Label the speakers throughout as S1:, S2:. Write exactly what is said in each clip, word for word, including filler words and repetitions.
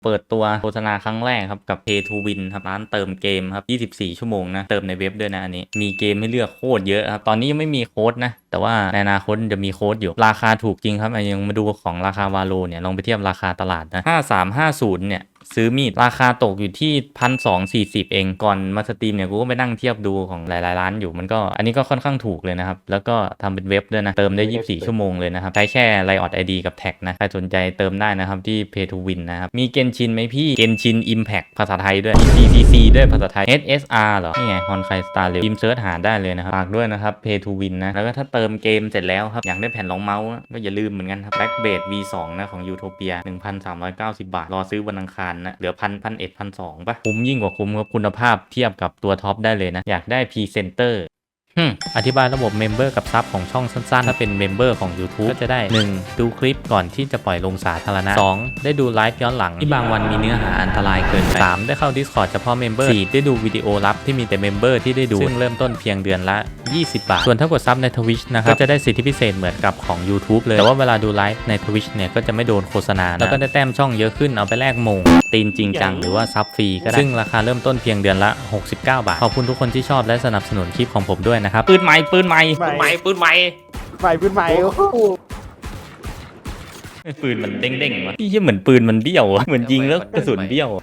S1: เปิดตัวโฆษณาครั้งแรกครับกับ Pay to Win ครับร้านเติมเกมครับยี่สิบสี่ชั่วโมงนะเติมในเว็บด้วยนะอันนี้มีเกมให้เลือกโคตรเยอะครับตอนนี้ยังไม่มีโค้ดนะแต่ว่าในอนาคตจะมีโค้ดอยู่ราคาถูกจริงครับยังมาดูของราคาวาโลเนี่ยลองไปเทียบราคาตลาดนะห้าสามห้าศูนย์เนี่ยซื้อมีดราคาตกอยู่ที่พันสองสี่สิบเองก่อนมาสตรีมเนี่ยกูก็ไปนั่งเทียบดูของหลายๆร้านอยู่มันก็อันนี้ก็ค่อนข้างถูกเลยนะครับแล้วก็ทำเป็นเว็บด้วยนะเติมได้ยี่สิบสี่ชั่วโมงเลยนะครับใช้แค่ Riot ไอ ดี กับแท็กนะใครสนใจเติมได้นะครับที่ Pay to Win นะครับมีเกนชินไหมพี่เกนชิน Impact ภาษาไทยด้วยมี ซี ซี ซี ด้วยภาษาไทย เอส เอส อาร์ เหรอนี่ไง Honkai Star Rail พิมพ์เซิร์ชหาได้เลยนะครับฝากด้วยนะครับ Pay to Win นะแล้วก็ถ้าเติมเกมเสร็จแล้วครับอยากได้แผ่นรองเมาส์ก็อย่าลืมเหมือนกันครับ Backblade วี สอง นะของ Utopia หนึ่งพันสามร้อยเก้าสิบ บาทรอซื้อวันอังคารนะเหลือพันพันเอ็ดพันสองป่ะคุ้มยิ่งกว่าคุ้มครับคุณภาพเทียบกับตัวท็อปได้เลยนะอยากได้พรีเซนเตอร์อธิบายระบบเมมเบอร์กับซับของช่องสั้นๆถ้าเป็นเมมเบอร์ของ YouTube ก็จะได้ หนึ่ง ดูคลิปก่อนที่จะปล่อยลงสาธารณะ สอง ได้ดูไลฟ์ย้อนหลังที่บางวันมีเนื้อหาอันตรายเกินไป สาม ได้เข้า Discord เฉพาะเมมเบอร์ สี่ ได้ดูวิดีโอลับที่มีแต่เมมเบอร์ที่ได้ดูซึ่งเริ่มต้นเพียงเดือนละยี่สิบบาทส่วนถ้ากดซับใน Twitch นะครับก็จะได้สิทธิพิเศษเหมือนกับของ YouTube เลยแต่ว่าเวลาดูไลฟ์ใน Twitch เนี่ยก็จะไม่โดนโฆษณาแล้วก็ได้แต้มช่องเยอะขึ้นเอาไปแลกโมงตีนจริงจังหรือว่าซับฟรีก็ได้ซึ่งราคาเริ่มต้นเพียงเดือนละหกสิบเก้าบาทขอบคุณทุกคนที่ชอบและสนับสนุนคลิปของผมด้วยนะครับปืนใหม่ปืนใหม่
S2: ปืนใหม่ปืนใหม่
S3: ใหม่ปืนใหม่โอ้โห
S1: ปืนมันเด้งๆวะพี่เหมือนปืนมันเบี้ยวเหมือนยิงแล้วกระสุนเบี้ยว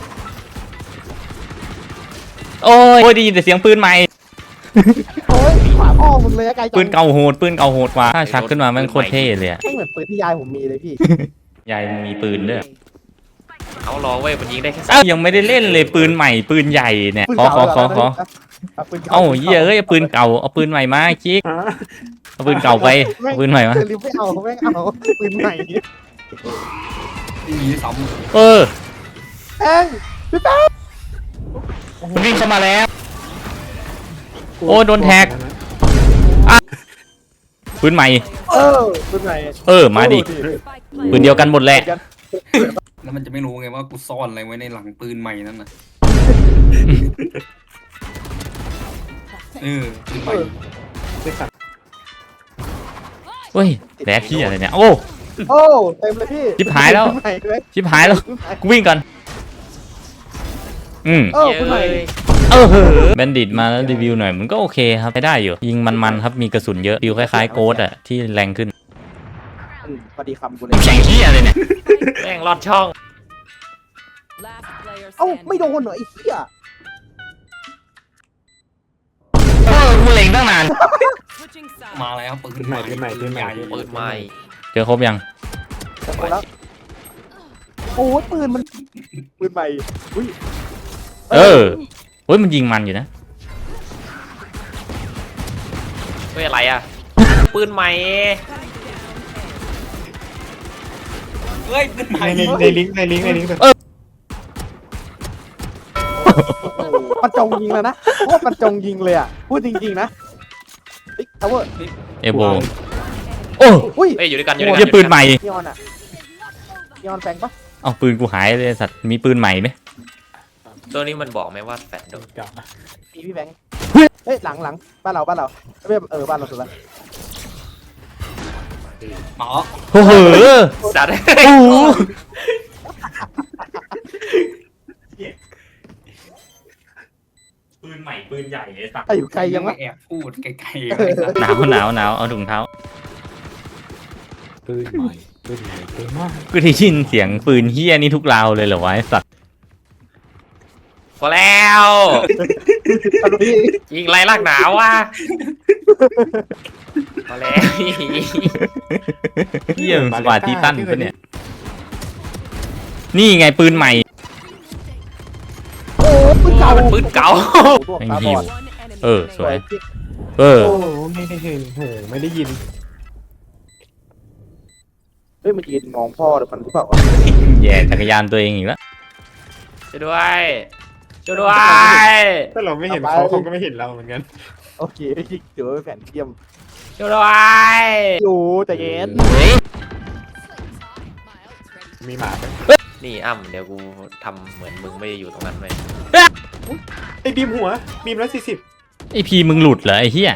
S1: โอ้ยได้ยินแต่เสียงปืนใหม่
S3: โอ้ยขวาพ่อมึงเลยอะไกลจัง
S1: ปืนเก่าโหดปืนเก่าโหดกว่าถ้าชักขึ้นมามันโคตรเท่เลยอะ
S3: ไม่เหมือนปืนที่ยายผมมีเลยพี่
S1: ยายมีปืนด้วย
S2: เอารอเว้ยมันยิงได้แค่
S1: เอ้ายังไม่ได้เล่นเลยปืนใหม่ปืนใหญ่เนี่ยขอขอขอขอเอ้าเหี้ยเอ้ยปืนเก่าเอาปืนใหม่มาคิกเอาปืนเก่าไปเอาปืนใหม่มา
S3: รีบไม่เอาไม่เอาปืนใหม่
S2: มีซ้
S1: เออ
S3: แป้งพี่แป้ง
S1: มันวิ่งเข้ามาแล้วโอ้โดนแท็กปืนใหม่
S3: เออปืนใหม่
S1: เออมาดิปืนเดียวกันหมดแหละ
S2: ำแล้วมันจะไม่รู้ไงว่ากูซ่อนอะไรไว้ในหลังปืนใหม่นั่นน่ะเออปืนใหม่
S1: เฮ้ยแดกที่อะไรเนี่ยโอ้
S3: โอ้เต็มเลยพี่
S1: ชิบหายแล้ว
S3: ปืนใหม่เลย
S1: ชิบหายแล้วกูวิ่งก่อนอืม
S3: เออปืนใหม่
S1: เออเหอะแบนดิตมาแล้วรีวิวหน่อยมันก็โอเคครับใช้ได้อยู่ยิงมันๆครับมีกระสุนเยอะฟิลคล้ายๆโกดอะที่แรงขึ้น
S3: อืมพอดีคำกูเลย
S1: แข่งที่อะไรเนี่ย
S2: แม่งลอดช่อง
S3: เอ้าไม่โดนเหรอไอ้เหี้ย
S1: เออกูเล็งตั้งนาน
S2: มาแล้วปืนใหม่ปืนใหม่ปืนใหญ่ปืนใหม่
S1: เจอครบยัง
S3: หมดแล้วโอ้ยปืนมันปืนใหม่อุ้ย
S1: เออเฮ้ยมันยิงมันอยู่นะ
S2: เฮ้ยอะไรอ่ะปืนใหม่เฮ้ยปืนใหม่
S4: ในในลิงก์ในลิงก์ในลิงก์
S3: มันจงยิงแล้วนะโคตรมันจงยิงเลยอ่ะพูดจริงๆนะเฮ้ยทาวเวอร์
S1: เอโบโอ้
S3: อุ้ย
S2: เฮ้ยอยู่ด้วยกันอยู่ด้
S1: เหี้
S2: วย
S1: ย
S2: กัน
S1: ปืนใหม่
S3: นีออนอ่ะนีออนแฟงปะ
S1: เอาปืนกูหายเลยสัตว์มีปืนใหม่ไหม
S2: ตัวนี้มันบอกไหมว่าแฟนโดน
S3: มีพี่แบงค์เฮ้ยหลังหลังบ้านเราบ้านเราไม่เออบ้านเราสุดละ
S2: หมอ
S1: โอ้โห
S2: สัตว์
S1: โอ้โหปืนใหม่ปืนใหญ่ไอ้สัตว์
S3: ไอ้อยู่ไกลยังวะ
S2: แอบพูดไกล
S1: หนาวหนาวหนาวเอาถุงเท้า
S4: ปืนใหม่ปืนใหม่ปืนมาก
S1: กูได้ยินเสียงปืนเฮี้ยนี่ทุกราวเลยเหรอวะไอ้สัตว์
S2: ๆพอแล้ว
S3: ตอนนี้
S2: ยิงไรลากหนาวว่ะพอแล้ว
S1: เฮี้ยสปาร์ติตันปะเนี่ยนี่ไงปืนใหม่
S3: โอ้ปืนเก่า
S2: มันปืนเก่า
S1: แม่งหิว เออสวยเออ
S4: โอ้โหไม่ได้เห็นโหไม่ได้ยิน
S3: เฮ้ยมันยืนมองพ่อหรือมันหรือเปล่า
S1: แย่จักรยานตัวเองอีกแล้ว
S2: ช่วยด้วยช่วยด้วย
S4: ถ้าเราไม่เห็นเขาเขาก็ไม่เห็นเราเหมือนกัน
S3: โอเคถือว่าเป็นแผนเทียม
S2: ช่วยด้วย
S3: อยู่แต่เย็น
S4: มีหมาไหม
S2: นี่อ้ำเดี๋ยวกูทำเหมือนมึงไม่ได้อยู่ตรงนั้นเลย
S4: ไอ้บีมหัวบีมร้อยสี่สิบ
S1: ไอพีมึงหลุดเหรอไอ้เหี้ย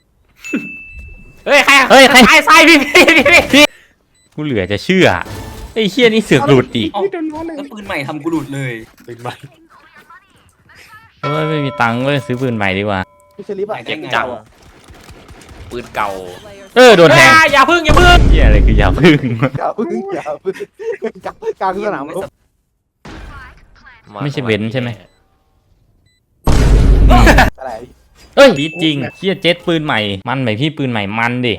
S2: เฮ้ยใคร
S1: เฮ้ยใคร
S2: ใครใส่พี่พี่พี่
S1: กูเหลือจะเชื่อไออ้เฮียนี่เสือกหลุดอีก
S2: เอ้าแล้วปืนใหม่ทำกูหลุดเลย
S4: ตื่นใหม่
S1: เอ้ยไม่มีตังค์เว้ยซื้อปืนใหม่ดีกว่า
S3: พี่เชลิฟอะ
S2: เจ็บ
S5: จังปืนเก่า
S1: เออโดนแทง
S5: อ่าอย่าพึ่งอย่าพึ่ง
S1: เฮียอะไรคืออย่าพึ่ง
S3: อย่าพึ่งอย่าพึ่งกลางกลางสนามรบ
S1: ไม่ใช่เว้นใช่ไหม
S3: อะไร
S1: เอ้ยดีจริงเฮียเจ็ตปืนใหม่มันไหมพี่ปืนใหม่มันดิ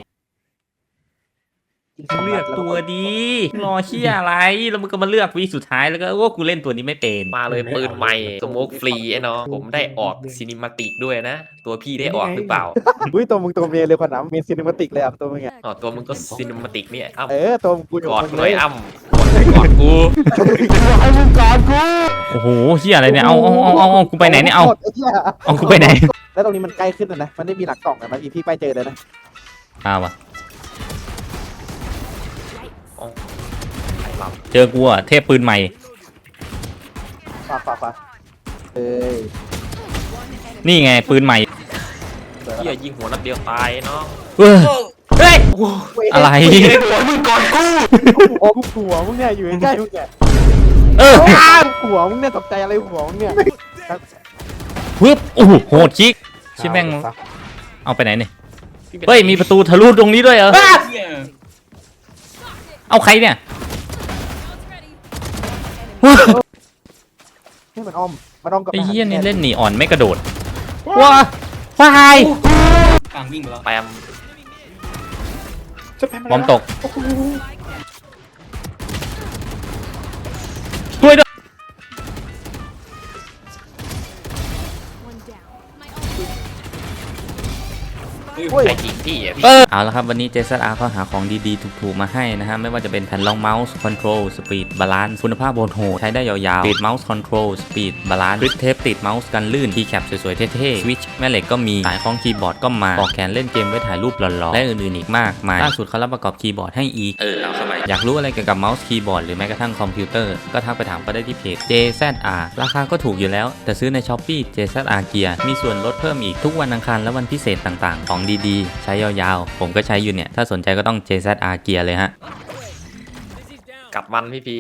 S1: เลือกตัวดีรอเฮียอะไรแล้วมึงก็มาเลือกวีสุดท้ายแล้วก็ว่ากูเล่นตัวนี้ไม่เป็น
S5: มาเลยปืนใหม่สโมกฟรีไอ้น้องผมได้ออกซินิมาติกด้วยนะ ตัวพี่ได้ออกหรือเปล่า
S3: อุ้ยตัวมึงตัวเมียเลยขนาดเมนซินิมาติกเลยอ่ะตัวมึงอ่ะ
S5: อ๋อตัวมึงก็ซินิมาติกเนี่ยอ้ำ
S3: เออตัวมึงกูอยู่
S5: กอด
S3: มึง
S5: ห
S3: เล
S5: น่อย ยอ้ำกอดกู
S3: ให้มึงกอดกู
S1: โอ้โหเฮียอะไรเนี่ยเอาเอาเอาเอาเอากูไปไหนเนี่ยเอา
S3: ไอ้เหี้ย
S1: เอากูไปไหน
S3: แล้วตรงนี้มันใกล้ขึ้นแล้วนะมันได้มีหลักกล่องอะนะพี่พี่ไปเจอเลยนะ
S1: อ้าววะ
S5: ไอ้ล
S1: เจอกูอะเทพปืนใหม่
S3: ฝากฝากฝากเอ้ย
S1: นี่ไงปืนใหม่
S5: ำเฮียยิงหัวนัดเดียวตายเนาะ
S1: เฮ้ยเฮ้ยอะไร
S5: หัวมึงก่อนกู
S3: โอ้กูหัวมึงเนี่ยอยู่ใกล้ๆมึงเนี่ย
S1: เออ
S3: หัวมึงเนี่ยตกใจอะไรหัวมึงเนี่ย
S1: ปึ๊บโอ้โหโหดชิกชิแม่งเอาไปไหนเนี่ยเฮ้ยมีประตูทะลุตรงนี้ด้วยเหรอ
S2: เหี้ย
S1: เอาใครเนี่ย
S3: ให้มันอ้อมมันอ้อมกับ
S1: ไอ้เหี้ยนี่เล่นหนีอ่อนไม่กระโดดว้าว้าย
S2: กลางวิ่งไปแล้ว
S5: แปม
S4: จะแพ้
S1: บอมตกช่วยด้วย
S3: โอ้ย
S5: ไอ้จริงพี่อ่ะพี่
S1: เออเอาละครับวันนี้ เจ แซด อาร์ เขาหาของดีๆถูกๆมาให้นะฮะไม่ว่าจะเป็นแผ่นรองเมาส์คอนโทรลสปีดบาลานซ์คุณภาพโหดๆใช้ได้ยาวๆติดเมาส์คอนโทรลสปีดบาลานซ์กริปเทปติดเมาส์กันลื่นคีย์แคปสวยๆเท่ๆสวิตช์แม่เหล็กก็มีสายคล้องคีย์บอร์ดก็มาปลอกแขนเล่นเกมไว้ถ่ายรูปหล่อๆและอื่นๆอีกมากมายล่าสุดเขารับประกอบคีย์บอร์ดให้อีกเออเอาเข้าไปอยากรู้อะไรเกี่ยวกับเมาส์คีย์บอร์ดหรือแม้กระทั่งคอมพิวเตอร์ก็ทักไปถามเขาได้ที่เพจ เจ แซด อาร์ ราคาก็ถูกอยู่แล้วแต่ซื้อใน Shopee เจ แซด อาร์ Gear มีส่วนลดเพิ่มอีกทุกวันอังคารและวันพิเศษต่างๆของดีๆใช้ยาวๆผมก็ใช้อยู่เนี่ยถ้าสนใจก็ต้อง เจ แซด อาร์ Gear เลยฮะ
S5: กลับมันพี่พี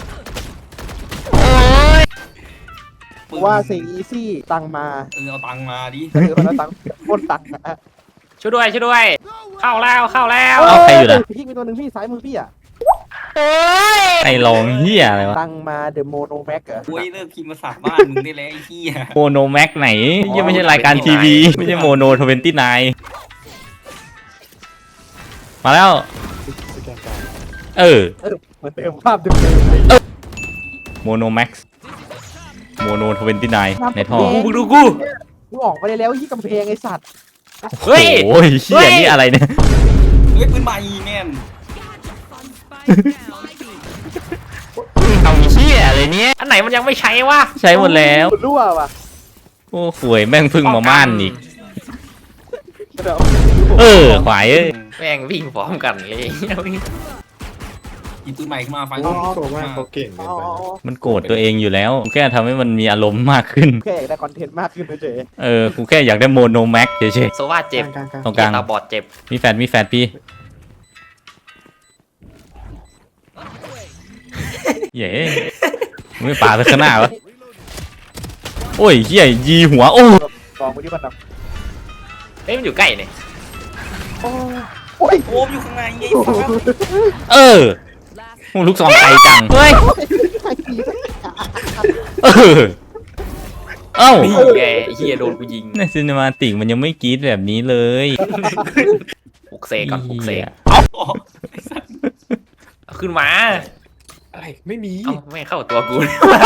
S3: กูว่าสิ่งอีซี่ตังมา
S2: เออเอาตังค์มาดิ
S3: เออมันเอาตังปล้นตังอะ
S5: ช่วยด้วยช่วยด้วย เข้าแล้วเข้าแล้ว
S1: เอาใครอยู่ล่ะ
S3: พี่มีตัวหนึ่งพี่ซ้ายมือพี่อะ
S1: ไอ้ลองเฮียอะไรวะ
S3: ตังมาเดอะโมโนแม็กเหรอ
S2: โอ้ยเลิกพิมพ์ภาษาบ้านมึงได้แล้วไอ้เหี้ย
S1: โมโนแม็กไหนยังไม่ใช่รายการทีวี ไม่ใช่โมโนทเวนตี้ไนมาแล้ว
S4: สแกนการ
S1: เออ
S3: เออเหมือนเติมภาพเดิมๆเลย
S1: โมโนแม็กโมโนทเวนตี้ไนในท่อ
S5: กูมึงดูกู
S3: กูออกไปได้แล้วที่กำแพงไอ้สัตว์
S5: เฮ้ย
S1: โอ้ยเฮียนี่อะไรเนี่ย
S2: เฮ้ยปืนใหม่แม่น
S1: เอาเฮียอะไรเนี่ย
S5: อันไหนมันยังไม่ใช้วะ
S1: ใช้หมดแล้ว
S3: รั่วว่ะ
S1: โอ้ขวยแม่งพึ่งมาม่านอีก
S3: เดี๋ยว
S1: เออขวายเอ้ย
S5: แม่งวิ่งพร้อมกันเลย
S2: หยิบปืนใหม่ขึ้นมาไฟ
S4: อ๋อโซว่าเขาเก่งเกิน
S3: อ๋อ
S4: ไป
S1: มันโกรธตัวเองอยู่แล้วกูแค่ทำให้มันมีอารมณ์มากขึ้น
S3: แค่อยากได้คอนเทนต์มากขึ้นเฉย
S1: เออกูแค่อยากได้โมโนแม็กเฉย
S5: โซว่าเจ็บ
S4: กลางกลาง
S1: ๆตรงกลาง
S5: ตาบอดเจ็บ
S1: มีแฟนมีแฟนพี่เย้ไม่ป่าไปข้างหน้าวะโอ้ยเฮียยีหัวโอ้
S3: ๆกองไปที่มันแบบ
S5: เฮ้ยมันอยู่ใกล้เนี่ย
S3: โอ้ย
S2: โอ้มอยู่ข้างในไอ้สัส
S1: เออโอ้ลูกซองไกลจังเฮ้ย
S3: ใครตี
S1: เออเอ้า
S5: นี่ไงไอ้เฮียโดนกูยิง
S1: ในซีนิมาติกมันยังไม่กรี๊ดแบบนี้เลย
S5: ปลุกเสกก่อนปลุกเสก
S1: หี้ย
S5: เอาขึ้นมา
S4: อะไรไม่มี
S5: เอ้าไม่เข้าตัวกู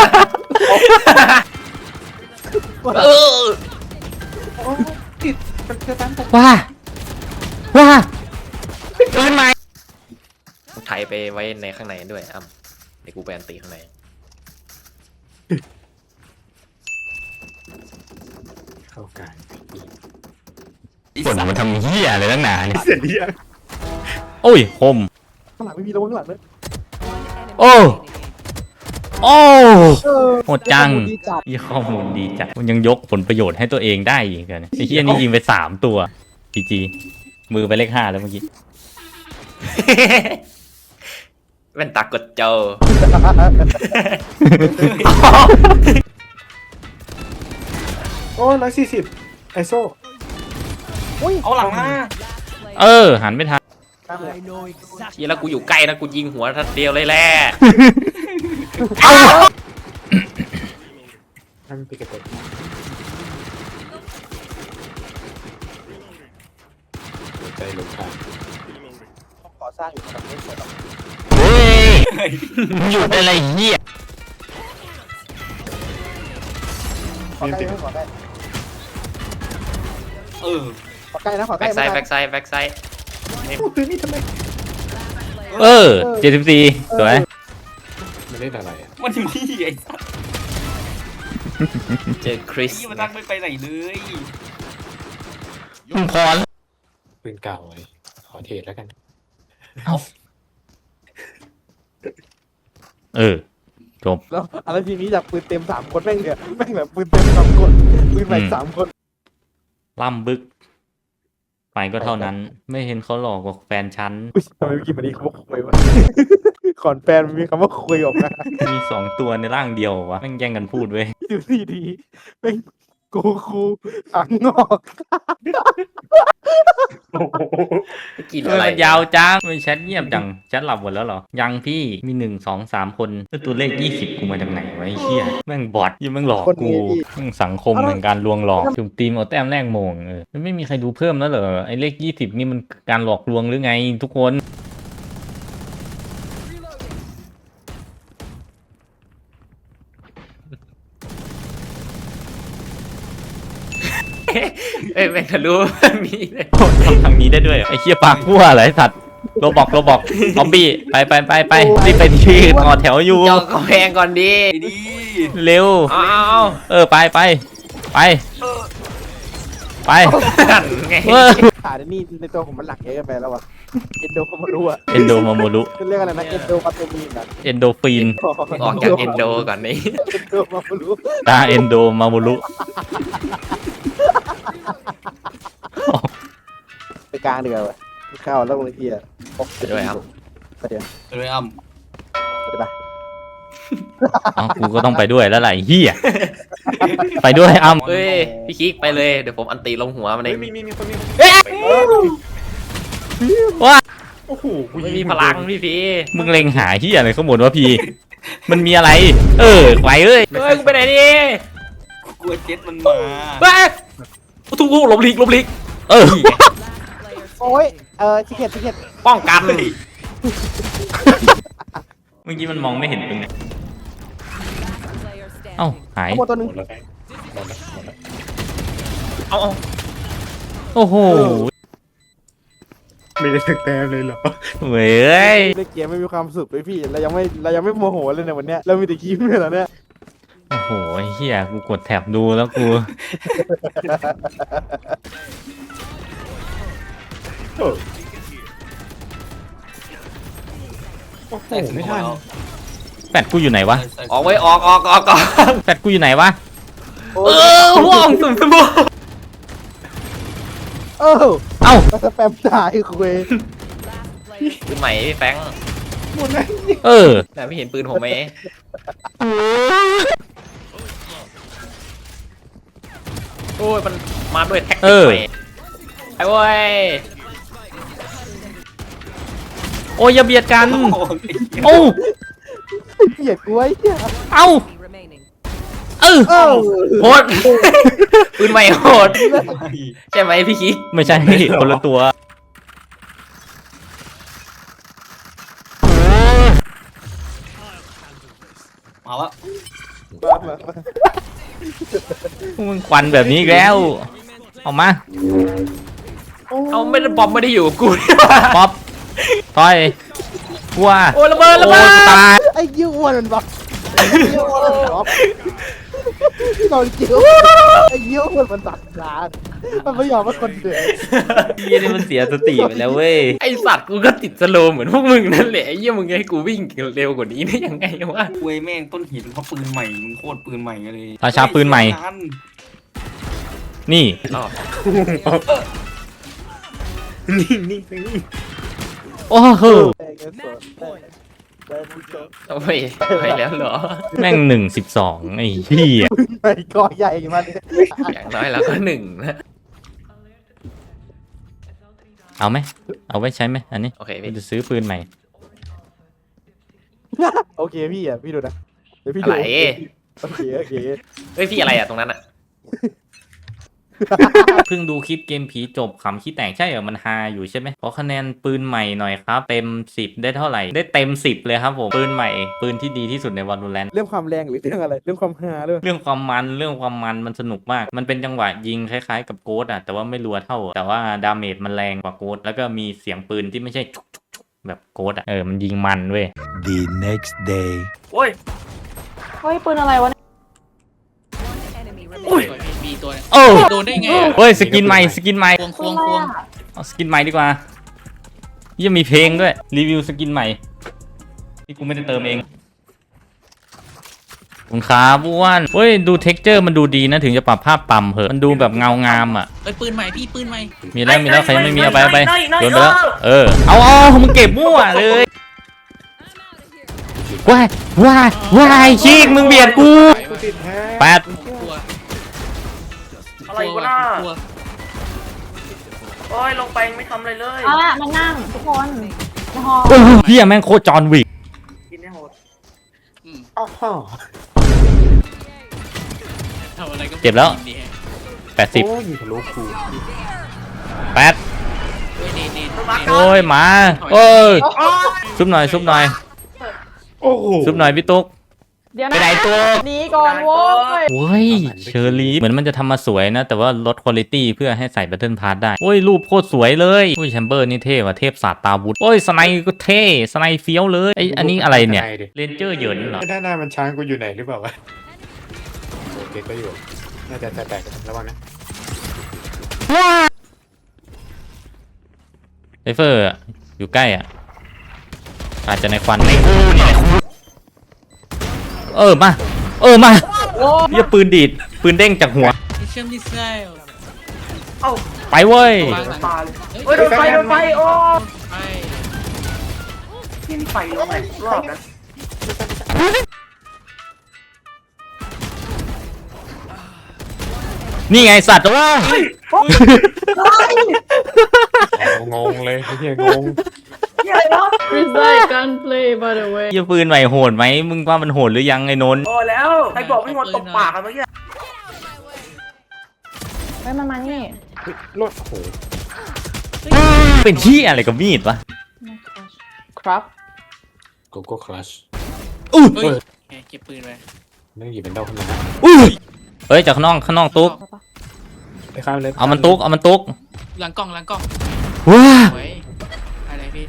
S5: เออ
S4: ติดมันจะตามตก
S1: ว้าว้าปืนใหม่
S5: ไถไปไว้ในข้างในด้วยอ้ำเดี๋ยวกูไปอันตีข้างใน
S4: เข้ากลาง
S1: ฝนมันทำเหี้ยอะไรตั้งนานเนี่ย
S4: เสร็จหรือยัง
S1: โอ้ยคม
S3: ข้างหลังไม่มีระวังข้างหลังเลย
S1: โอ้โอ้
S3: เออ
S1: โหดจัง
S3: ดีจัด
S1: ยี่ข้อมูลดีจัดมันยังยกผลประโยชน์ให้ตัวเองได้อีกเหรอเนี่ยไอ้เหี้ยนี่ยิงไปสามตัวจีจีมือไปเลขห้าแล้วเมื่อกี้
S5: แว่นตากดเจอ
S4: โอ้ร้อยสี่สิบไอโซ่
S3: อุ้ย
S2: เอาหลังมา
S1: เออ หันไม่ทัน
S3: ข้ามเลย
S5: เฮียแล้วกูอยู่ใกล้นะกูยิงหัวทัดเดียวเลยแหละ
S4: ทำปิกระเตะใจลงทาง
S3: ก่อสร้างอยู่ตรงนี้สวยหรอก
S1: เฮ้ยหยุดอะไรเหี้ย
S3: ขอใกล้ไหมขอใกล้
S2: เออ
S3: ขอใกล้นะขอใก
S5: แบ็
S3: ล้
S5: กไซด์แบ็กไซด์แบ็กไซด์
S4: พูดตื้อนี่ทำไม
S1: เออเจ็ดสิบสี่สวย
S4: มันเล่นอะไรอ่ะ
S2: มันนี่ไอ้สัส
S5: เจอคริส
S2: นี่มันตั้งไม่ไปไหนเลย
S1: พอแล้ว
S4: ปืนเก่าไว้ขอเทรดแล้วกัน
S1: เออ จบ
S3: แล้วอะไรทีนี้จากปืนเต็มสามคนแม่งเนี่ยแม่งแบบปืนเต็มสามคนปืนใหม่สามคน
S1: ล่ำบึก ไปก็เท่านั้น ไม่เห็นเขาหลอกกับแฟนฉัน
S3: อุ้ยทำไมเมื่อกี้มันมีคำว่าคุยวะก่อนแฟนมันมีคำว่าคุยออกมา
S1: มีสองตัวในร่างเดียววะแม่งแย่งกันพูดเว้ย
S3: ดูสิดีแม่งกูคูขังงอก
S5: กิน
S1: ทำ
S5: อะ
S1: ไม
S5: ไร
S1: มันยาวจังไม่แชทเงียบจังแชทหลับหมดแล้วเหรอ ยังพี่มีหนึ่งสองสามคนแล้วตัวเลขยี่สิบกูมาจากไหนวะไอ้เหี้ยแม่งบอทยังแม่งหลอกกูแม่งสังคมแห่งการลวงหลอกจุ่มตีมเอาแต้มแรกโมงเออมันไม่มีใครดูเพิ่มแล้วเหรอไอ้เลขยี่สิบนี่มันการหลอกลวงหรือไงทุกคน
S5: เอ้ยแม่งทะลุ มีเลย
S1: ทำทางนี้ได้ด้วยเหรอไอ้เหี้ยปากพั่วอะไรสัตว์โรบอกโรบอกซอมบี้ไปไปไปไปรีบไปที่ต่อแถวอยู่
S5: จองกำแพงก่อนดิ
S2: ไอ้ดี
S1: เร็ว
S5: เอาเอา
S1: เออไปไปไปไป
S5: เอาไง
S1: เออ
S3: ขาดนี่ในตัวผมมันหลักเยอะเกินไปแล้ววะเอนโดคอมรู้อะ
S1: เอนโดมาโมรุ
S3: เรียกอะไรนะเอนโดคาเตมีนอะ
S1: เอนโดฟีน
S5: ออกจากเอนโดก่อนนี่
S3: เอนโดมารู้
S1: ตาเอนโดมาโมรุ
S3: ไปกลางเดือดเข้าแล้วลงทีอะ
S5: ไปด้วยครับ
S3: ไปเดี๋ยว
S2: เลยอ้ำ
S3: ไปเดี๋ยวไป
S1: อ๋อกูก็ต้องไปด้วยแล้วไหละไอ้เฮียไปด้วยอ้ำ
S5: เฮ้ยพี่คิกไปเลยเดี๋ยวผมอันตีลงหัวมันเอ
S4: เฮ้ย
S5: ง
S4: มีมีมีคนมีคน
S1: ว่า
S4: โอ้โหกู
S5: ไม่
S4: ยิ
S5: มี
S4: ง
S5: พลังพี่พี
S1: มึงเล็งหาเฮียอะไรข้างบนวะพี่ มันมีอะไร เออไฟเอ้ย
S5: เฮ้ยกูไปไหนดิ
S2: กลัวเจ็ตมันมา
S5: เฮ้ยทุกทุกหลบหลีกหลบหลีก
S1: เออ
S3: โอ้ยเออชิคเก็ตชิคเก็ต
S5: ป้องกัน
S1: เมื่อกี้มันมองไม่เห็นตรงไหนเอ้าหาย
S3: ข้างบนตัวหนึง
S4: หมดแล้วแบงค์หมดแล้วหมดแล้ว
S5: เอาเอา
S1: โอ้โห
S4: ไม่ได้ถึกแต้มเลยเหรอ
S1: เว้ย
S3: เล่นเกมไม่มีความสุขเลยพี่เรายังไม่เรายังไม่โมโหเลยในวันเนี้ยเรามีแต่ยิ้มเลยเหรอเนี่ย
S1: โอ้โหไอ้เฮียกูกดแท็บดูแล้วกู
S4: เออโอ้โหไม่ทัน
S1: แฟดกูอยู่ไหนวะ
S5: ออกไว้ออกออกออกออก
S1: แฟดกูอยู่ไหนวะ
S3: โอ้
S5: เอย อห่วงสุ่มสมบูรณ์
S3: เออ
S1: เอ้า
S3: มาสแปมตายคุย
S5: ปืนใหม่พี่แฟง
S4: หมดแล้ว
S1: เออ
S5: แต่ไม่เห็นปืนผมไหมโอ้ยมันมาด้วยแท็ก
S1: เอ
S5: ติก
S1: อ
S5: ใหม่ไอ้เว้ย
S1: โอ้ยอย่าเบียดกัน
S2: โอ้ย
S1: โอ้
S3: เกลียดกูไอ้เหี้ย
S1: เอ้าเออ
S3: เออ
S5: โหดปืนใหม่โหดใช่ไหมพี่คิก
S1: ไม่ใช่ คนละตัว
S2: มาแล้ว
S3: มามามา
S1: มึงควันแบบนี้อีกแล้ว เอามา
S5: เอาไม่ได้บอมไม่ได้อยู่กับกูนี่หว่า
S1: ป๊อปต่อยกลัว
S5: โอ้ยระเบิดระเบิด
S1: โอ้ตาย
S3: ไอ้ยิ้วอ้วนมันบอกไอ้ยิ้วอ้วนมันบอกโดนจิ้วไอ้ยิ้วอ้วนมันตัดร้านมันไม่ยอมว่าคนเดือด
S1: พี่นี่มันเสียสติไปแล้วเว้ย
S5: ไอสัตว์กูก็ติดสโลว์เหมือนพวกมึงนั่นแหละไอ้เหี้ยมึงให้กูวิ่งเร็วกว่านี้ได้ยังไงวะ
S2: เว้ยแม่งต้นเหตุเพราะปืนใหม่มึงโคตรปืนใหม่เลย
S1: ราชาปืนใหม่ นี่
S5: อ้าว
S4: นิ่งนิ่งนิ่ง
S1: โอ้โห
S5: โอ้ยไปแล้วเหรอ
S1: แม่งหนึ่งสิบสองไอ้เหี้ย
S3: ไปก่อใหญ่มาเนี่ย
S5: อย่างน้อยเราก็หนึ่งนะ
S1: เอาไหมเอาไว้ใช้ไหมอันนี้
S5: โอเค
S1: กู
S5: พี่
S1: จะซื้อปืนใหม่
S3: โอเคพี่อ่ะพี่ดูนะเดี๋ยวพี่
S5: อะ
S3: ดู
S5: ไร
S3: โอเคโอเค
S5: เฮ้ยพี่อะไรอะตรงนั้นอะ
S1: เพิ่งดูคลิปเกมผีจบขำขี้แตกใช่เหรอมันฮาอยู่ใช่ไหมขอคะแนนปืนใหม่หน่อยครับ เต็มสิบได้เท่าไหร่ได้เต็มสิบเลยครับผมปืนใหม่ปืนที่ดีที่สุดใน Valorant
S3: เรื่องความแรงหรือเรื่องอะไรเรื่องความฮาเรื่อง
S1: เรื่องความมันเรื่องความมันมันสนุกมาก มันเป็นจังหวะยิงคล้ายๆกับโกดอะแต่ว่าไม่รัวเท่า แต่ว่าดาเมจมันแรงกว่าโกดแล้วก็มีเสียงปืนที่ไม่ใช่ชุกชุกชุกแบบโกดอะเออมันยิงมันเว้ย
S6: The next day.
S2: โอ้ย
S7: เฮ้ยปืนอะไรวะเนี่ย
S2: อุ้ย
S8: มีตัวเนี่ย
S1: โอ้
S8: โดนได้ไงอะ
S1: เฮ้ยสกินใหม่สกินใหม่
S8: ควงควงควง
S1: เอาสกินใหม่ดีกว่ายังมีเพลงด้วยรีวิวสกินใหม่ที่กูไม่ได้เติมเองคุณขาบ้วนเฮ้ยดูเท็กเจอร์มันดูดีนะถึงจะปรับภาพต่ำเหอะมันดูแบบเงางามอ่ะ
S8: เอ้ยปืนใหม่พี่ปืนใหม่
S1: มีแล้วมีแล้วใครยังไม่มีเอาไปเอาไปโยนไปแล้วเออเอาเอามึงเก็บมั่วเลยว้ายว้ายว้ายชีกมึงเบียดกู
S4: กูติดแฮะ
S1: แปด
S8: กลัว
S2: อะไรวะน่ะ
S8: กลัว
S2: โอ้ยลงไปไม่ทำอะไรเลย
S7: เอาละมานั่งทุกคนในหอ
S1: โอ้ยเฮียแม่งโคตรจอห์นวิก
S2: กินให้โหด
S8: อืม
S4: อ้าว
S8: ทำอะไรก็
S1: เจ็บแล้ว
S8: ดีฮะ
S1: แปดสิบ
S4: โอ้ยมีทะลุกู
S1: แปด
S8: เฮ้ยเนเนเน
S1: โอ้ยหมาโอ้ยซุบหน่อยซุบหน่อย
S4: โอ้โห
S1: ซุบหน่อยพี่ตุ๊ก
S7: เดี๋ยว
S1: ไป
S7: นะ
S1: ไหนตัว
S7: หนีก่อนโว้ย
S1: โอ้ยเชอรี่เหมือนมันจะทำมาสวยนะ แต่ว่าลดคุณภาพเพื่อให้ใส่แบตเทิลพาร์ได้โอ้ยรูปโคตรสวยเลยโอ้ยแชมเบอร์นี่เท่ว่ะเทพศาสตร์ตาวุธโอ้ยสไนก็เท่สไนเฟี้ยวเลยไออันนี้อะไรเนี่ยเรนเจอร์เหยินเหรอ
S4: ด้านหน้ามันช้างกูอยู่ไหนหรือเปล่าวะโอเคก็อยู่น่าจะแตกๆระวังนะ
S1: ไซเฟอร์อะอยู่ใกล้อ่ะอาจจะในควันในกูนี่แหละเออมาเออมาเหี้ยปืนดีดปืนเด้งจากหัว
S8: มิชชั่นมิสไซล์
S1: ไปเว้ย
S8: วางหลัง
S2: ตายเลยเฮ้ยโดนไฟโดนไฟโอ้
S8: ไป
S2: ยิงไฟลงไหนรอบนะ
S1: นี่ไงสัตว์ว่า
S4: งงเลยไอ้เหี้ยงง
S7: Reside gunplay by the way
S1: เหี้ยปืนใหม่โหดไหมมึงว่ามันโหดหรือยังไอ้นนท์
S2: โอ้แล้วใครบอกไม่งดตบปากกันเมื่อกี้
S7: เฮ้ยมันมานี่
S4: รถโอ้โห
S1: เป็นที่อะไรกับมีดวะ
S7: ครับ
S4: โกโก้คลัช
S1: อุ้ย
S8: เฮ้ยแกเก็บปืนไป
S4: นั่งหยิบเป็นดอกขึ้นมา
S1: อุ้ยเฮ้ยจากข้างนอกข้างนอกตุ๊ก
S4: ไปข้ามเลย
S1: เอามันตุ๊กเอามันตุ๊ก
S8: หลังกล้องหลังกล้อง
S1: ว้า
S8: ไว้อะไรพี่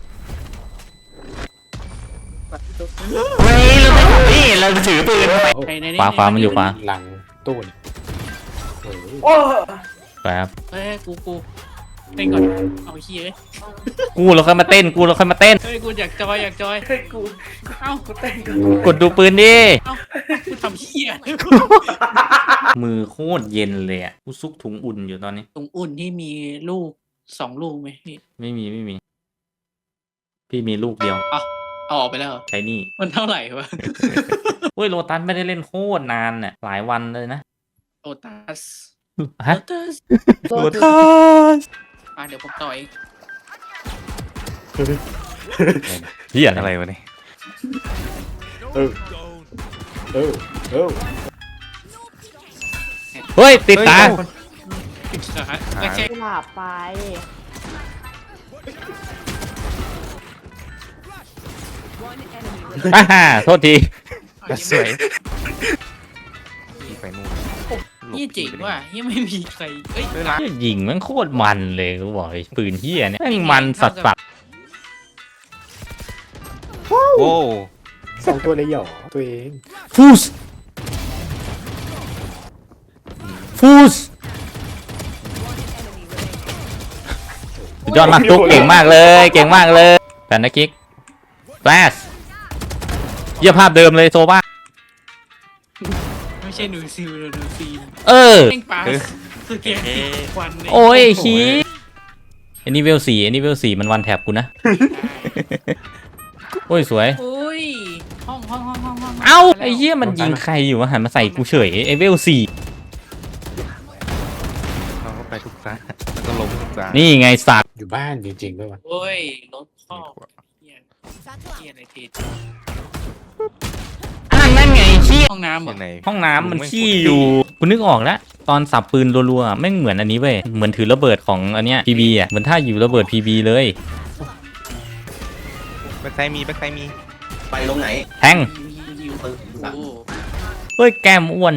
S1: เฮ้ยเราไม่นี่เราถือปืน
S8: ในใน
S1: ขวาขวามันอยู่ขวา
S4: หลังตู้นี่โอ้โห
S2: โอ้
S1: แป๊บ
S8: เฮ้ยกูกูเต้นก่อนเอาเฮีย
S1: กูเราค่อยมาเต้นกูเราค่อยมาเต้น
S8: เฮ้ยกูอยากจอยอยากจอย
S2: เฮ้ยกู
S8: เอ้า
S2: กูเต้นกัน
S1: กดดูปืนดิ
S8: เอ้ากูทำเฮีย
S1: มือโคตรเย็นเลยอ่ะกูซุกถุงอุ่นอยู่ตอนนี้
S8: ตรงอุ่นที่มีลูกสองลูกไหมพี่
S1: ไม่มีไม่มี พี่มีลูกเดียว
S8: เอาเอาออกไปแล้วเหรอ
S1: ใช้นี่
S8: มันเท่าไหร่วะ
S1: เฮ้ยโลตัสไม่ได้เล่นโคตรนานน่ะหลายวันเลยนะ
S8: โอตัส
S1: ฮะ
S8: โอตัส
S1: โลตัส
S8: อ่ะเดี๋ยวผมต่อย
S1: เฮียอะไรวะเนี่ย
S4: เออเออเออ
S1: เฮ้ยติดตา
S8: ไม่ใช่
S7: กุหลาบไป
S1: อ่าฮ่าโทษที
S8: สวยยี่เจ๋งว่ะยี่ไม่มีใครเอ้ย
S1: เหี้ยยิงมันโคตรมันเลยกูบอกไอ้ปืนเฮียเนี่ยแม่งมันสัสสัสโอ้
S4: สองตัวเลยเหรอตัวเอง
S1: ฟูสฟูสสุดยอดมากตุ๊กเก่งมากเลยเก่งมากเลยแฟนนะกิ๊กแฟลชเยี่ยภาพเดิมเลยโซบ้า
S8: ไม่ใช่หนูซิลหนูซีน
S1: เออ
S8: เล่งปลาคือเกมควัน
S1: โอ้ยคีอันนี้เวลสี่อันนี้เวลสี่มันวันแท็บกูนะ โอ้ยสวย
S8: โอ้ยห้องห้องห้องห้องห้อง
S1: เอ้าไอ้เหี้ยมันยิงใครอยู่วะหันมาใส่กูเฉยไอ้เวลสี่
S9: เราก็ไปทุกครั้งแล้วก็ล้มทุกครั้ง
S1: นี่ไงสัตว์
S4: อยู่บ้านจริงๆด้วยวะ
S8: โอ้ยรถข้อเฮียเฮียอะไรที
S1: อ่านั่นไงขี้
S8: ห้องน้ำเหร
S9: ยั
S8: อง
S9: ไง
S1: ห้องน้ำมันขี้อยู่กูนึกออกแล้วตอนสับปืนรัวๆแม่งเหมือนอันนี้เว้ยเหมือนถือระเบิดของอันเนี้ยพีบีอ่ะเหมือนถ้าอยู่ระเบิดพีบีเลย
S9: แบ็คไซด์มีแบ็คไซด์มี
S10: ไปลงไหน
S1: แทง
S8: อยู่โอ้
S1: เฮ้ยแก้มอ้วน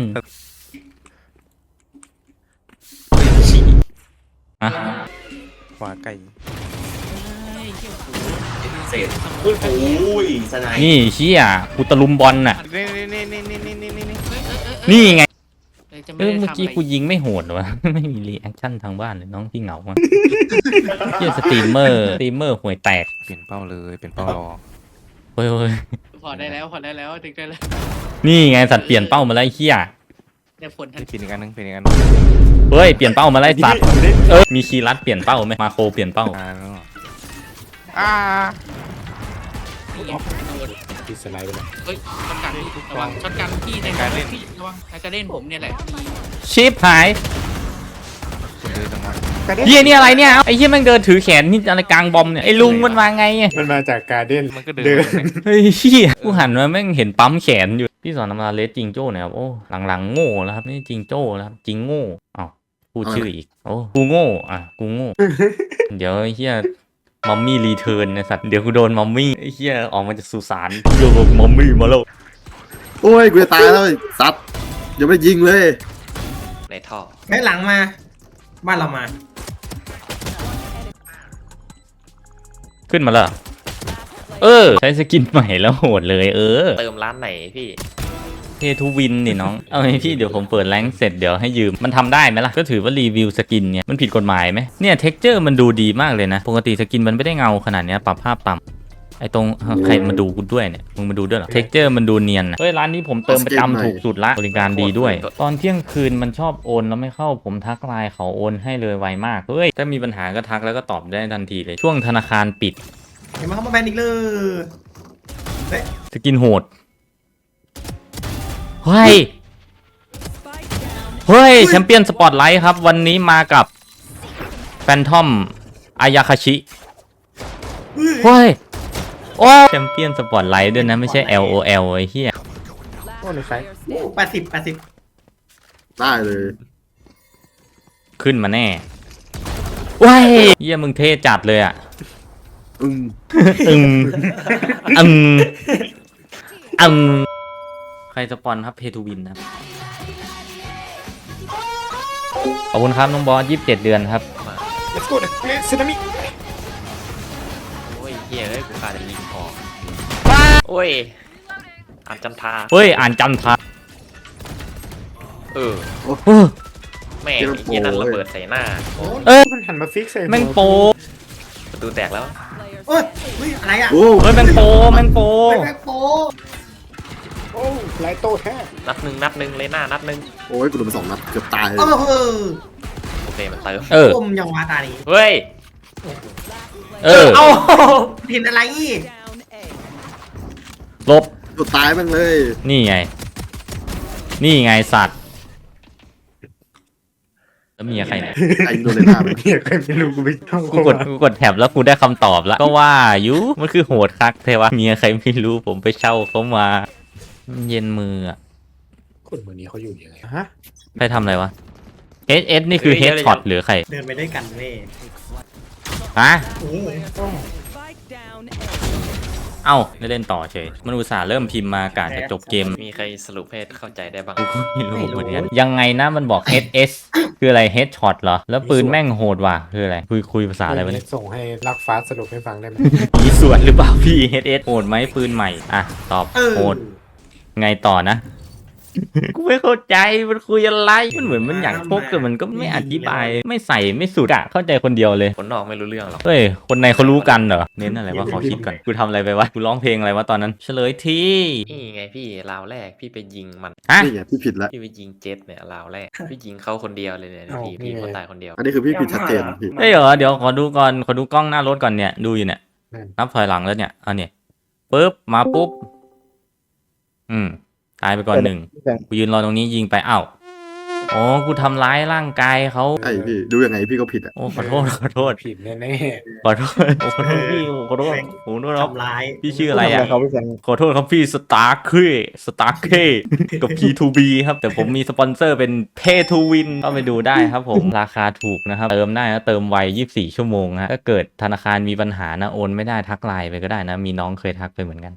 S1: อะ
S9: ขวาไก่
S8: ยเฮีย
S10: เศษโอ้ยสไน
S1: นี่เชี่ยกูตะลุมบอลน่ะ
S9: นี่นี่นี่นี่นี่นี่นี่นี่
S8: เฮ้ยเออเออ
S1: นี่ไง
S8: เออจะ
S1: เอ
S8: ไม่
S1: อ
S8: ได้
S1: เมื่อ
S8: ทำ
S1: กี้
S8: อะไร
S1: กูยิงไม่โหดวะ ไม่มีรีแอคชั่นทางบ้านเลยน้องที่เหงามากเชี่ยสตรีมเมอร์สตรีมเมอร์ห่วยแตก
S9: เปลี่ยนเป้าเลยเปลี่ยนเป้ารอ
S1: เฮ้ยเฮ้ย
S8: พอได้แล้วพอได้แล้วถึงได้แล้ว
S1: นี่ไงสัตว์เปลี่ยนเป้ามาแล้วไอ้เหี้ย
S8: ได้ผลทัน
S9: เปลี่ยนอีกอันนึงเปลี่ยนอีกอันนึง
S1: เฮ้ยเปลี่ยนเป้ามาแล้วไอ้สัตว์เออมีคีย์ลัดเปลี่ยนเป้าไหมมาโครเปลี่ยนเป้า
S9: อ่าแล้วอ่า
S8: นี่ไงโดน
S4: ที่สไลด์ไปเลย
S8: เฮ้ยช็อตกันระวังช็อตกันพี่ในการเล่นพี่ระวังในการเล่นผมเนี่ยแหละ
S1: ชิปหาย
S9: คนเดินจังหวะ
S1: เฮียนี่อะไรเนี่ยไอ้เฮียแม่งเดินถือแขนนี่อะไรกลางบอมเนี่ยไอ้ลุงมันมาไงอะ
S4: มันมาจากการเด้น
S9: มันก็เดิน
S4: เดิน
S1: เฮ้ยเฮียกูหันมาแม่งเห็นปั๊มแขนอยู่พี่สอนนำมาเลสจิงโจ้เนี่ยครับโอ้หลังๆโง่แล้วครับนี่จิงโจ้แล้วครับจิงโง่อ้าวพูดชื่ออีกโอ้กูโง่อ่ะกูโง่ เดี๋ยวไอ้เฮียมัมมี่รีเทิร์นนะสัตว์เดี๋ยวกูโดนมัมมี่ไอ้เฮียออกมาจากสุสานโยกมัมมี่มาแล้ว
S10: โอ้ยกูจะตายแล้วซัดยังไม่ยิงเลย
S5: ในท่อ
S10: แค่หลังมา บ้านเรามา
S1: ขึ้นมาแล้วเออใช้สกินใหม่แล้วโหดเลยเออ
S5: เติมร้านไหนพี่
S1: เพทูวินนี่น้อง เอาไงพี่เดี๋ยวผมเปิดแรงค์เสร็จเดี๋ยวให้ยืมมันทำได้ไหมล่ะก็ถือว่ารีวิวสกินเนี่ยมันผิดกฎหมายไหมเนี่ยเท็กเจอร์มันดูดีมากเลยนะปกติสกินมันไม่ได้เงาขนาดเนี้ยปรับภาพต่ำไอ้ตรงใครมาดูกูด้วยเนี่ยมึงมาดูด้วยเหรอเท็กเจอร์มันดูเนียนนะเฮ้ยร้านนี้ผมเติมประจำถูกสุดละบริการดีด้วย ตอนเที่ยงคืนมันชอบโอนแล้วไม่เข้าผมทักไลน์เขาโอนให้เลยไวมากเฮ้ยถ้ามีปัญหาก็ทักแล้วก็ตอบได้ทันทีเลยช่วงธนาคารปิด
S10: เห็นมาเข้ามาแบนอีกเลย
S1: สกินโหดเฮ้ยเฮ้ยแชมเปี้ยนสปอตไลท์ครับวันนี้มากับแฟนทอมอายาคาชิเฮ้ยโอ้แชมเปี้ยนสปอตไลท์ด้วยนะไม่ใช่ แอล โอ แอล ไอ้เหี้ย
S4: โอ้ในไฟ
S10: แปดสิบแปดสิบได้เลย
S1: ขึ้นมาแน่ว้ายเหี้ยมึงเท่จัดเลยอ่ะ
S10: อืม
S1: อึงอึงอึงใครสปอนครับเพทูวินนะครับขอบคุณครับน้องบอสยี่สิบเจ็ดเดือนครับ
S4: let's go สึนามิ
S5: โอ้ยเฮียเอ้ยกูขาดจะยิงพอโอ้ยอ่านจันทรา
S1: เฮ้ยอ่านจันทรา
S5: เออ
S1: เออ
S5: แม่งไอ้เฮียนั่นระเบิดใส่หน้า
S1: เอ้ย
S4: มันหันมาฟิกใส่หัว
S1: แม่งโป
S5: ประตูแตกแล้ว
S10: โอ้ยเฮ้ยอะไรอ่ะ
S1: เฮ้ยแม่งโปแม่งโป
S10: แบ็คโป
S4: โอ้ไลโต้แท้
S5: นัดหนึ่งนัดหนึ่งเลยหน้านัดหนึ่ง
S10: โอ้ยกูโดนไปสองนัดเกือบตายเลย
S5: โอเคมันเติม
S1: เออ
S10: คมยังวาตานี้
S5: เฮ้ย
S1: เออ
S5: เอ้า
S10: เห็นอะไรอีก
S1: ลบ
S10: กูตายมันเลย
S1: นี่ไง นี่ไงสัตว์แล้วเมียใครเนี่ย
S10: ไอ้โดนเลยหน้าไป
S4: เนี่ยใครไม่รู้กูไปท่อง
S1: กูกดกูกดแท็บแล้วกูได้คำตอบแล้ว ก็ว่าอยู่มันคือโหดคักเทวะเมียใครไม่รู้ผมไปเช่าเขามาเย็นมืออะ
S4: คนเมือนี้เขาอยู่ยังไงฮะ
S1: ใครทำอะไรวะ เอส เอส นี่คือเฮดช็อตหรือใคร
S10: เดินไปด้วยกันเว้ย
S1: ฮะ
S10: โอ้ย
S1: เอ้าได้เล่นต่อเฉยมันอุตส่าห์เริ่มพิมพ์มากาจะจบเกม
S5: มีใครสรุปให้เข้าใจได้บ้าง
S1: กูก็ไม่รู้เหมือนกันยังไงนะมันบอก เอส เอส คืออะไร เฮดช็อตเหรอ แล้วปืนแม่งโหดว่ะคืออะไร คุยคุยภาษาอะไรวะเนี่ย
S4: ส่งให้ลักฟ้าสรุปให้ฟังได้ไหม
S1: มีส่วนหรือเปล่าพี่ เอส เอส โหดไหมปืนใหม่ อ่ะ ตอบ
S10: เออ
S1: โหด ไงต่อนะ กูไม่เข้าใจมันคุยอะไร มันเหมือนมันอยากพกแต่มันก็ไม่อธิบาย ไม่ใส่ไม่สุดอะเข้าใจคนเดียวเลย
S5: คนนอกไม่รู้เรื่องหรอก
S1: เฮ้ย คนในเขารู้กันเหรอ เน้นอะไรวะขอคิดก่อน กูทำอะไรไปวะ กูร้องเพลงอะไรวะตอนนั้น เฉลยที่
S5: นี่ไงพี่ราวแรกพี่ไปยิงมัน
S1: ฮะ
S10: นี่ไงพี่ผิดแล้ว
S5: พี่ไปยิงเจ็ตเนี่ยราวแรก พี่ยิงเขาคนเดียวเลยเนี่ยพี่พี่เขาตายคนเดียว
S10: อันนี้คือพี่ผิดชัดเจนพี่
S1: เฮ้ยเหรอ เดี๋ยวขอดูก่อน ขอดูกล้องหน้ารถก่อนเนี่ย ดูอยู่เนี่ย นับถอยหลังแล้วเนี่ยอันนี้ปึ๊บ มาปุ๊บอืมตายไปก่อนหนึ่ง
S3: แบง
S1: กูยืนรอตรงนี้ยิงไปอ้าวอ๋อกูทำร้ายร่างกายเขา
S10: ไอ้พี่ดูยังไงพี่ก็ผิดอ่ะ
S1: โอ้ขอโทษขอโทษ
S4: ผิดแน่
S1: ขอโทษโอ้ขอโทษพี่ขอโทษขอโทษครับ
S11: ทำร้าย
S1: พี่ชื่ออะไรอ่ะ
S3: เขาไปแบง
S1: ขอโทษครับพี่สตาร์เคสตาร์เคกับ พี ทู บี ครับ แต่ผมมีสปอนเซอร์เป็น Pay to Win ก็ไปดูได้ครับผม ราคาถูกนะครับ เติมได้นะเติมไวยี่สิบสี่ชั่วโมงฮะถ้าเกิดธนาคารมีปัญหานะโอนไม่ได้ทักไลน์ไปก็ได้นะ มีน้องเคยทักไปเหมือนกัน